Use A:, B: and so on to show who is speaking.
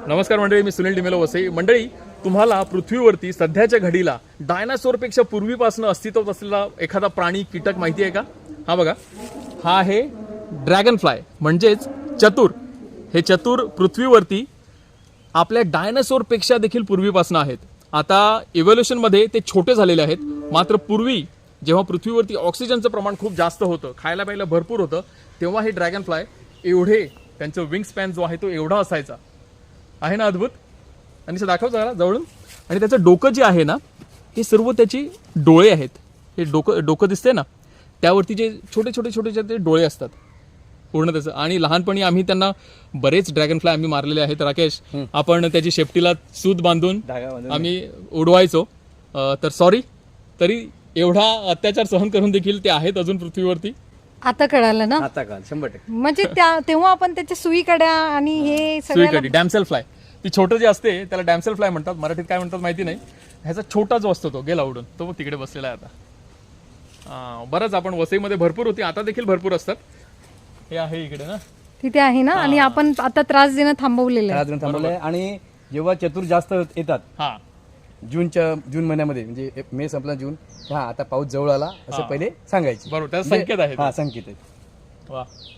A: नमस्कार मंडळी, मी सुनील डिमेलो वसई. मंडळी, तुम्हाला पृथ्वीवरती सध्याच्या घडीला डायनासोरपेक्षा पूर्वीपासून अस्तित्वात असलेला एखादा प्राणी कीटक माहिती आहे का? हा बघा, हा आहे ड्रॅगन फ्लाय म्हणजेच चतुर. हे चतुर पृथ्वीवरती आपल्या डायनासोरपेक्षा देखील पूर्वीपासून आहेत. आता इव्होल्युशनमध्ये ते छोटे झालेले आहेत. मात्र पूर्वी जेव्हा पृथ्वीवरती ऑक्सिजनचं प्रमाण खूप जास्त होतं, खायला प्यायला भरपूर होतं, तेव्हा हे ड्रॅगन फ्लाय एवढे, त्यांचं विंग स्पॅन जो आहे तो एवढा असायचा. आहे ना अद्भुत? आणि असं दाखव जरा जवळून. आणि त्याचं डोकं जे आहे ना, हे सर्व त्याची डोळे आहेत. हे डोकं दिसते ना, त्यावरती जे छोटे छोटे छोटे छोटे डोळे असतात पूर्ण त्याचं. आणि लहानपणी आम्ही त्यांना बरेच ड्रॅगन फ्लाय आम्ही मारलेले आहेत. राकेश, आपण त्याची शेपटीला सूत बांधून आम्ही उडवायचो. तर सॉरी, तरी एवढा अत्याचार सहन करून देखील ते आहेत अजून पृथ्वीवरती.
B: आता कळालं ना?
C: आता काल 100%.
B: म्हणजे तेव्हा आपण त्याच्या सुईकड्या आणि हे
A: सुईकडी, डॅमसेल फ्लाय, ती छोटं जे असते त्याला डॅमसेल फ्लाय म्हणतात. मराठीत काय म्हणतात माहिती नाही. ह्याचा छोटा जो असतो तो गेला उडून, तो तिकडे बसलेला आहे आता. बरंच आपण वसईमध्ये भरपूर होती, आता देखील भरपूर असतात. हे आहे इकडे ना,
B: तिथे आहे ना. आणि आपण आता त्रास देणं थांबवलेलं आहे.
C: थांबवलंय. आणि जेव्हा चतुर जास्त येतात
A: हा
C: जून महिन्यामध्ये, म्हणजे मे संपला जून, हा आता पाऊस जवळ आला असं पहिले सांगायचे.
A: बरोबर, त्याचा संकेत आहे.
C: हा संकेत आहे.
A: वा,